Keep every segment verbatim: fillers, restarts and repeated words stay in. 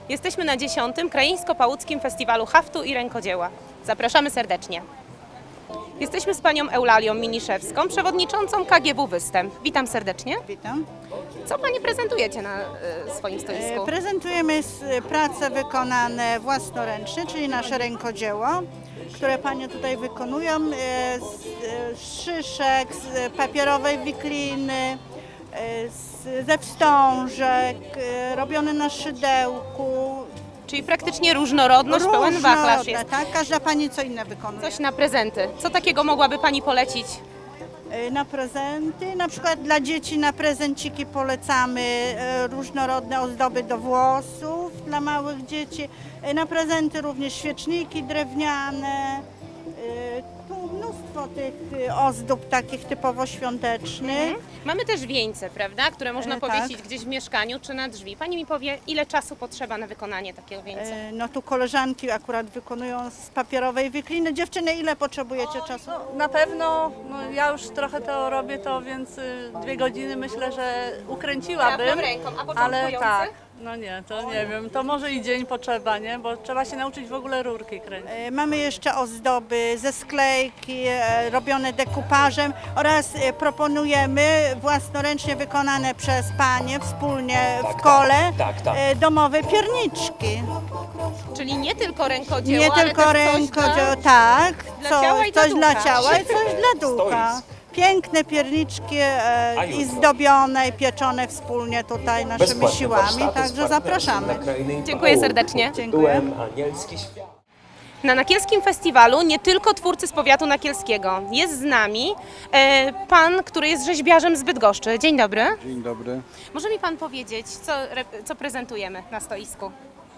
Jesteśmy na dziesiątym Krajeńsko-Pałuckim Festiwalu Haftu i Rękodzieła. Zapraszamy serdecznie. Jesteśmy z panią Eulalią Miniszewską, przewodniczącą K G W Występ. Witam serdecznie. Witam. Co pani prezentujecie na y, swoim stoisku? E, Prezentujemy s- prace wykonane własnoręcznie, czyli nasze rękodzieło, które panie tutaj wykonują e, z, e, z szyszek, z papierowej wikliny, e, z, ze wstążek, e, robione na szydełku. Czyli praktycznie różnorodność, pełen wachlarz Różnorodne, jest. tak? Każda pani co inne wykonuje. Coś na prezenty. Co takiego mogłaby pani polecić? E, Na prezenty, na przykład dla dzieci na prezenciki polecamy e, różnorodne ozdoby do włosów dla małych dzieci. E, Na prezenty również świeczniki drewniane. E, Tu mnóstwo tych e, ozdób takich typowo świątecznych. Mamy też wieńce, prawda, które można E, powiesić tak. gdzieś w mieszkaniu czy na drzwi. Pani mi powie, ile czasu potrzeba na wykonanie takiego wieńca? E, No tu koleżanki akurat wykonują z papierowej wikliny. Dziewczyny, ile potrzebujecie czasu? Na pewno, no ja już trochę to robię to, więc y, dwie godziny myślę, że ukręciłabym. Prawą ręką, a ale początkujący? tak, no nie, to nie wiem, to może i dzień potrzeba, nie? Bo trzeba się nauczyć w ogóle rurki kręcić. E, Mamy jeszcze ozdoby ze sklejki, e, robione dekupażem oraz e, proponujemy własnoręcznie wykonane przez panie wspólnie w kole tak, tak. e, domowe pierniczki. Czyli nie tylko rękodzieło, Nie ale tylko też rękodzieło, coś tak, dla co- ciała i dla coś dla ducha. ciała i coś dla ducha. Stoisk. Piękne pierniczki e, A i jutro? zdobione i pieczone wspólnie tutaj naszymi Bezpłatne siłami, warsztaty z także partnerem zapraszamy. na Krajeńsko Dziękuję Pałuckim serdecznie. Dziękuję. Tytułem Anielski Świat. Na Nakielskim Festiwalu nie tylko twórcy z powiatu nakielskiego. Jest z nami e, pan, który jest rzeźbiarzem z Bydgoszczy. Dzień dobry. Dzień dobry. Może mi pan powiedzieć, co, re- co prezentujemy na stoisku?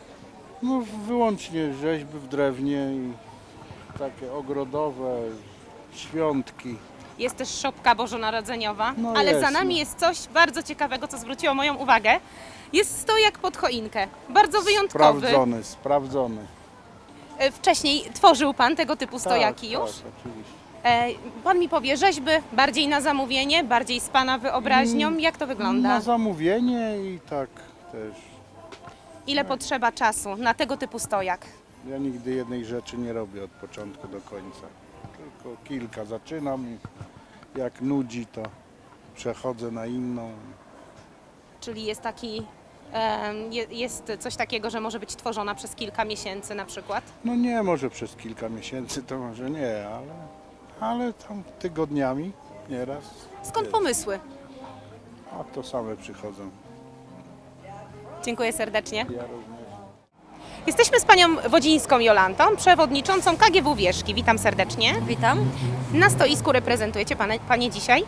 No wyłącznie rzeźby w drewnie i takie ogrodowe, świątki. Jest też szopka bożonarodzeniowa, No ale jest, za nami no. jest coś bardzo ciekawego, co zwróciło moją uwagę. Jest stojak pod choinkę. Bardzo wyjątkowy. Sprawdzony, sprawdzony. E, Wcześniej tworzył pan tego typu stojaki tak, już? Tak, oczywiście. E, Pan mi powie, rzeźby bardziej na zamówienie, bardziej z pana wyobraźnią. Mm, Jak to wygląda? Na zamówienie i tak też. Ile potrzeba czasu na tego typu stojak? Ja nigdy jednej rzeczy nie robię od początku do końca. Tylko kilka zaczynam i jak nudzi, to przechodzę na inną. Czyli jest taki, em, je- jest coś takiego, że może być tworzona przez kilka miesięcy na przykład? No nie, może przez kilka miesięcy to może nie, ale, ale tam tygodniami nieraz. Skąd jest. pomysły? A to same przychodzą. Dziękuję serdecznie. Ja również. Jesteśmy z panią Wodzińską Jolantą, przewodniczącą K G W Wierzki. Witam serdecznie. Witam. Na stoisku reprezentujecie pane, panie dzisiaj?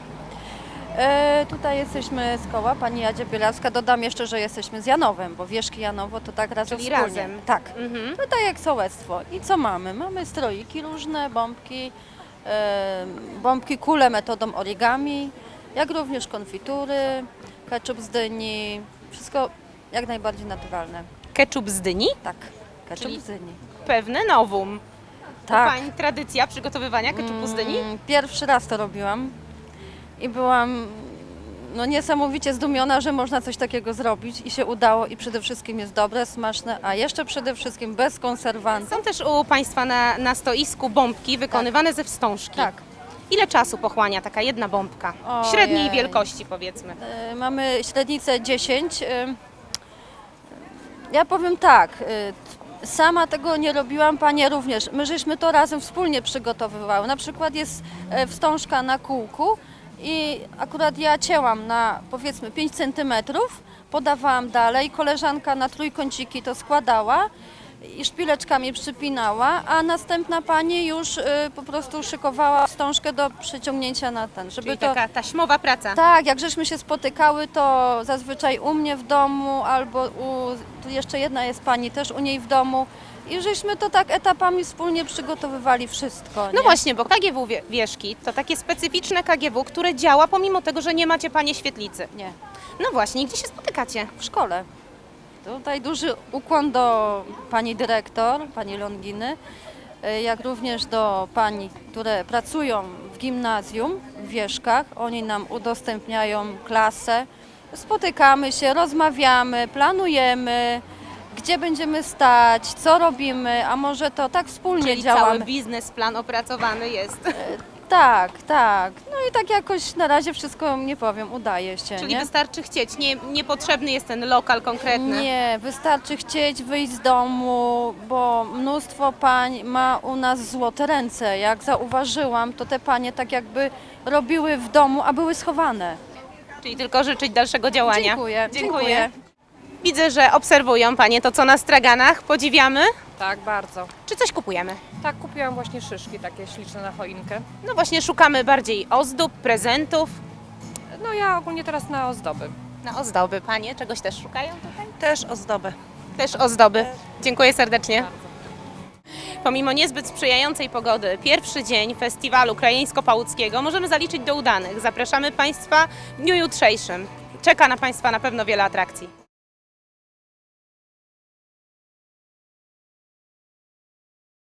E, tutaj jesteśmy z koła, pani Jadzia Bielawska. Dodam jeszcze, że jesteśmy z Janowem, bo Wierzki Janowo to tak razem Czyli wspólnie. razem. Tak. Mhm. No tak jak sołectwo. I co mamy? Mamy stroiki różne, bombki, e, bombki kule metodą origami, jak również konfitury, ketchup z dyni, wszystko jak najbardziej naturalne. Ketchup z dyni? Tak, ketchup Czyli- z dyni. Pewne nowum. Tak. Pani tradycja przygotowywania ketchupu z dyni? Mm, Pierwszy raz to robiłam i byłam no, niesamowicie zdumiona, że można coś takiego zrobić i się udało i przede wszystkim jest dobre, smaczne, a jeszcze przede wszystkim bez konserwantów. Są też u państwa na, na stoisku bombki wykonywane ze wstążki. Tak. Ile czasu pochłania taka jedna bombka? Ojej. Średniej wielkości powiedzmy. E, Mamy średnicę dziesięć. e, Ja powiem tak, e, sama tego nie robiłam, panie również. My żeśmy to razem wspólnie przygotowywały. Na przykład jest e, wstążka na kółku i akurat ja cięłam na powiedzmy pięć centymetrów, podawałam dalej, koleżanka na trójkąciki to składała i szpileczkami przypinała, a następna pani już y, po prostu szykowała wstążkę do przeciągnięcia na ten, żeby Czyli to... taka taśmowa praca. Tak, jak żeśmy się spotykały, to zazwyczaj u mnie w domu albo u, tu jeszcze jedna jest pani też u niej w domu i żeśmy to tak etapami wspólnie przygotowywali wszystko. No nie? właśnie, bo K G W Wie- Wierzki to takie specyficzne K G W, które działa pomimo tego, że nie macie panie świetlicy. Nie, No właśnie, i gdzie się spotykacie? w szkole. Tutaj duży ukłon do pani dyrektor, pani Longiny, y, jak również do pani, które pracują w gimnazjum w Wierzkach. Oni nam udostępniają klasę. Spotykamy się, rozmawiamy, planujemy, gdzie będziemy stać, co robimy, a może to tak wspólnie Czyli działamy. cały biznesplan opracowany jest. Tak, tak. No i tak jakoś na razie wszystko, nie powiem, udaje się, Czyli nie? wystarczy chcieć, nie, niepotrzebny jest ten lokal konkretny. Nie, wystarczy chcieć wyjść z domu, bo mnóstwo pań ma u nas złote ręce. Jak zauważyłam, to te panie tak jakby robiły w domu, a były schowane. Czyli tylko życzyć dalszego działania. Dziękuję, dziękuję. Widzę, że obserwują Panie to, co na straganach. Podziwiamy. Tak, bardzo. Czy coś kupujemy? Tak, kupiłam właśnie szyszki takie śliczne na choinkę. No właśnie szukamy bardziej ozdób, prezentów. No ja ogólnie teraz na ozdoby. Na ozdoby. Panie czegoś też szukają tutaj? Też ozdobę. Też ozdoby. Dziękuję serdecznie. Pomimo niezbyt sprzyjającej pogody, pierwszy dzień festiwalu krajeńsko-pałuckiego możemy zaliczyć do udanych. Zapraszamy Państwa w dniu jutrzejszym. Czeka na Państwa na pewno wiele atrakcji.